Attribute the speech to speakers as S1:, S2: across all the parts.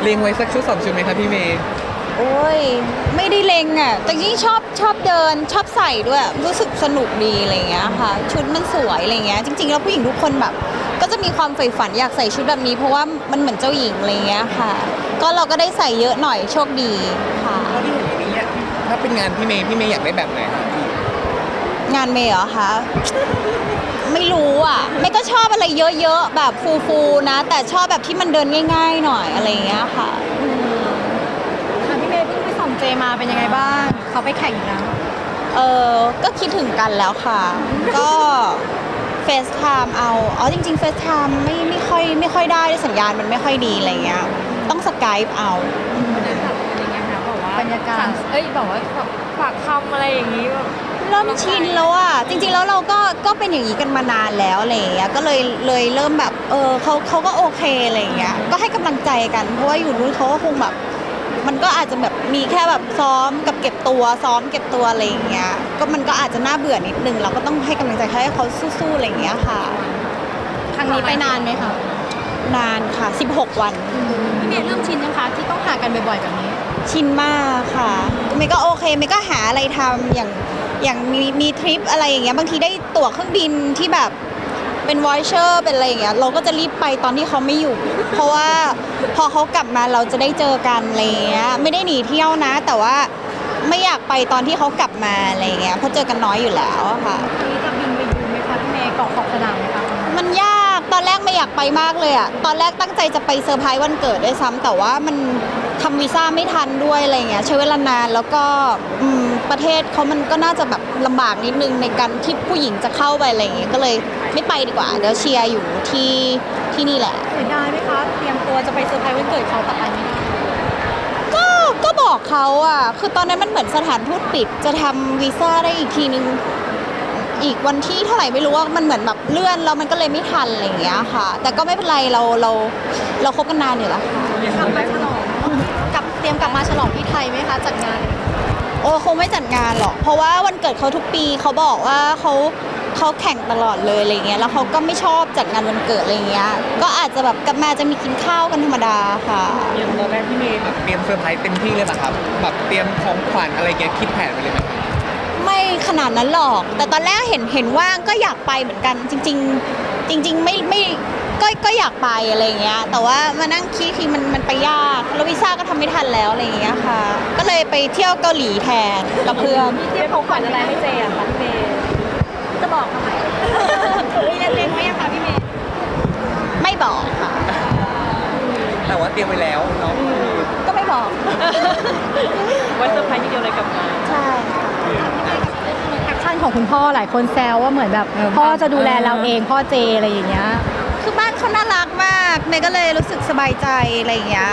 S1: เล็งไว้สักชุด2 ชุดไหมครับพี่เมย์
S2: โอ้ยไม่ได้เล็งอ่ะแต่ยิ่งชอบเดินชอบใส่ด้วยรู้สึกสนุกดีอะไรเงี้ยค่ะชุดมันสวยอะไรเงี้ยจริงๆแล้วผู้หญิงทุกคนแบบก็จะมีความใฝ่ฝันอยากใส่ชุดแบบนี้เพราะว่ามันเหมือนเจ้าหญิงอะไรเงี้ยค่ะก็เราก็ได้ใส่เยอะหน่อยโชคดีค่ะ
S1: ที่เห็นอย่างนี้ถ้าเป็นงานพี่เมย์อยากได้แบบไหนครับ
S2: งานเมย์เหรอคะไม่รู้อ่ะเมย์ก็ชอบอะไรเยอะๆแบบฟูๆนะแต่ชอบแบบที่มันเดินง่ายๆหน่อยอะไรเงี้ยค่ะ
S3: พี่เมย์เพิ่งไปส่งเจมาเป็นยังไงบ้างเขาไปแข่งอยู่นะ
S2: ก็คิดถึงกันแล้วค่ะ ก็เฟซไทม์เอาจริงๆเฟซไทม์ไม่ค่อยได้สัญญาณมันไม่ค่อยดีอะไรเงี้ยต้องสกายเอา
S3: บรรยากาศอะไรเงี้ยค่ะบอกว่าบรรยากาศบอกว่าฝากคำอะไรอย่างนี้
S2: เริ่มชินแล้วอ่ะจริงๆแล้วเราก็เป็นอย่างนี้กันมานานแล้วอะไรเงี้ยก็เลยเริ่มแบบเขาก็โอเคอะไรเงี้ยก็ให้กำลังใจกันเพราะว่าอยู่นู้นเขาก็คงแบบมันก็อาจจะแบบมีแค่แบบซ้อมกับเก็บตัวซ้อมเก็บตัวอะไรอย่างเงี้ยก็มันก็อาจจะน่าเบื่อนิดนึงเราก็ต้องให้กำลังใจให้เขาสู้ๆอะไรอย่างเงี้ยค่ะ
S3: ครั้งนี้ไปนานไหมคะ
S2: นานค่ะ16 วัน
S3: พี่เมย์เริ่มชินยังคะที่ต้องหากันบ่อยๆแบบนี้
S2: ชินมากค่ะเมย์ก็โอเคเมย์ก็หาอะไรทำอย่างมีทริปอะไรอย่างเงี้ยบางทีได้ตั๋วเครื่องบินที่แบบเป็นวอยเชอร์เป็นอะไรอย่างเงี้ยเราก็จะรีบไปตอนที่เขาไม่อยู่เพราะว่าพอเขากลับมาเราจะได้เจอกันอะไรเงี้ยไม่ได้หนีเที่ยวนะแต่ว่าไม่อยากไปตอนที่เขากลับมาอะไรเงี้ยเพราะเจอกันน้อยอยู่แล้วค่ะ
S3: นี่จะบินไปยูไหมคะพี่เมย์เกาะขอบสนามไหมคะ
S2: มันยากตอนแรกไม่อยากไปมากเลยอ่ะตอนแรกตั้งใจจะไปเซอร์ไพรส์วันเกิดด้วยซ้ำแต่ว่ามันทำวีซ่าไม่ทันด้วยอะไรเงี้ยใช้เวลานานแล้วก็ประเทศเขามันก็น่าจะแบบลำบากนิดนึงในการที่ผู้หญิงจะเข้าไปอะไรเงี้ยก็เลยไม่ไปดีกว่าเดี๋ยวเชียร์อยู่ที่นี่แหละ
S3: เสียดายไหมคะเตรียมตัวจะไปเซอร์ไพรส์วันเกิดเขาแต่ไปไม่ได้
S2: ก็บอกเขาอ่ะคือตอนนั้นมันเหมือนสถานทูตปิดจะทำวีซ่าได้อีกทีนึงอีกวันที่เท่าไหร่ไม่รู้ว่ามันเหมือนแบบเลื่อนแล้วมันก็เลยไม่ทันอะไรอย่างเงี้ยค่ะแต่ก็ไม่เป็นไรเราคบกันนานอยู่แล้วค่ะ
S3: กลับมาฉลองเตรียมกลับมาฉลองที่ไทยไหมคะจัดงาน
S2: คงไม่จัดงานหรอกเพราะว่าวันเกิดเขาทุกปีเขาบอกว่าเขาแข่งตลอดเลยอะไรเงี้ยแล้วเขาก็ไม่ชอบจัดงานวันเกิดอะไรเงี้ยก็อาจจะแบบกลับมาจะมีกินข้าวกันธรรมดาค่ะ
S1: อย่างตอนแรกพี่เมย์แบบเตรียมเซอร์ไพรส์เต็มที่เลยป่ะครับแบบเตรียมของขวัญอะไรเงี้ยคิดแผนไปเลยไหม
S2: ไม่ขนาดนั้นหรอกแต่ตอนแรกเห็นว่างก็อยากไปเหมือนกันจริงไม่ก็อยากไปอะไรเงี้ยแต่ว่ามานั่งคิดคือมันไปยากแล้ววีซ่าก็ทำไม่ทันแล้วอะไรเงี้ยค่ะก็เลยไปเที่ยวเกาหลีแทนกับเพื่อน
S3: เตรียมของขวัญอะไรให้เจอ่ะคะพี่เมย์จะบอกทำไมมีเล็งๆไว้ยังคะพี่เมย์
S2: ไม่บอกค่ะ
S1: แต่ว่าเตรียมไว้แล้วเนาะ
S2: ก็ไม่บอก
S3: วันเซอร์ไพรส์ทีเดียวเลยกลับมา
S2: ใช่
S3: แอคชั่นของคุณพ่อหลายคนแซวว่าเหมือนแบบพ่อจะดูแลเราเองพ่อเจอะไรอย่างเงี้ย
S2: คือบ้านเขาน่ารักมากเมย์ก็เลยรู้สึกสบายใจอะไรอย่างเงี้ย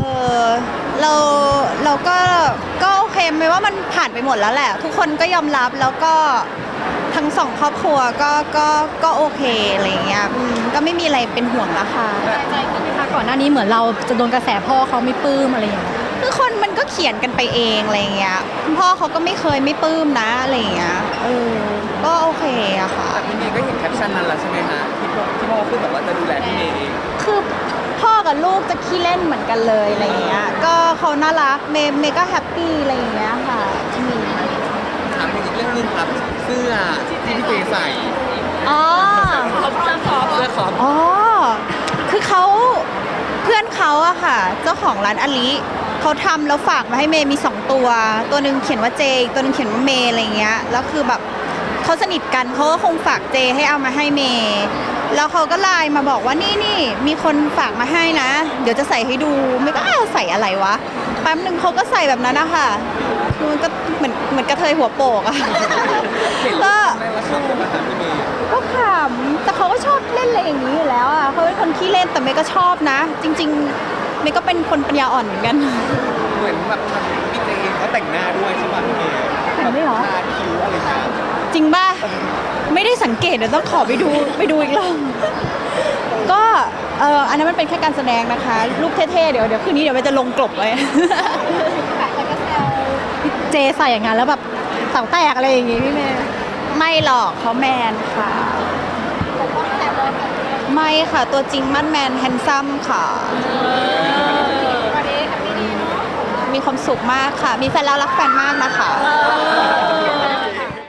S2: เราก็โอเคไหมว่ามันผ่านไปหมดแล้วแหละทุกคนก็ยอมรับแล้วก็ทั้งสองครอบครัวก็โอเคอะไรอย่างเงี้ยก็ไม่มีอะไรเป็นห่วงแล้วค่ะ
S3: ใจขึ้นไหมคะก่อนหน้านี้เหมือนเราจะโดนกระแสพ่อเขาไม่ปลื้มอะไรอย่างเงี้ย
S2: คือคนมันก็เขียนกันไปเองอะไรอย่างเงี้ยคุณพ่อเขาก็ไม่เคยไม่ปลื้มนะอะไรอย่างเงี้ยก็โอเคอะค่ะ
S1: แต่พี่เมย์ก็เห็นแคปชั่นนั้นแล้วใช่ไหมฮะที่พ่อพูดแบบว่าจะดูแลพี่เมย์เอง
S2: คือพ่อกับลูกจะขี้เล่นเหมือนกันเลยอะไรอย่างเงี้ยก็เขาน่ารักเมย์ก็แฮปปี้อะไรอย่างเงี้ยค่ะ
S1: ถามอีกเรื่องนึงครับเสื้อที่พี่เจใส่เสื้อคอป
S2: คือเพื่อนเขาอะค่ะเจ้าของร้านอลิเขาทำแล้วฝากมาให้เมย์มี2ตัวหนึ่งเขียนว่าเจอีกตัวหนึ่งเขียนว่าเมย์อะไรเงี้ยแล้วคือแบบเขาสนิทกันเขาก็คงฝากเจให้เอามาให้เมย์แล้วเขาก็ไลน์มาบอกว่านี่มีคนฝากมาให้นะเดี๋ยวจะใส่ให้ดูเมย์ก็ใส่อะไรวะแป๊บนึงเขาก็ใส่แบบนั้นนะคะมันก็เหมือนกระเทยหัวโปกอะก็ขำแต่เขาก็ชอบเล่นอะไรอย่างนี้อยู่แล้วอะเขาเป็นคนขี้เล่นแต่เมย์ก็ชอบนะจริงๆเมย์ก็เป็นคนปัญญาอ่อนเหมือนกัน
S1: เหมือนแบบพี่เจเขาแต่งหน้าด้วยใช่ป่ะพี่เมย์
S2: แต่งไม่หรอ
S1: ทาคิ้วอะไรนะ
S2: จริงป่ะไม่ได้สังเกตเดี๋ยวต้องขอไปดูอีกรอบก็อันนั้นมันเป็นแค่การแสดงนะคะรูปเท่ๆเดี๋ยวคืนนี้เดี๋ยวเมย์จะลงกลบไว้เจใส่อย่างนั้นแล้วแบบเสาแตกอะไรอย่างงี้พี่เมย์ไม่หรอกเขาแมนค่ะไม่ค่ะตัวจริงมั่นแมนแฮนซัมค่ะมีความสุขมากค่ะ มีแฟนแล้วรักแฟนมากนะคะ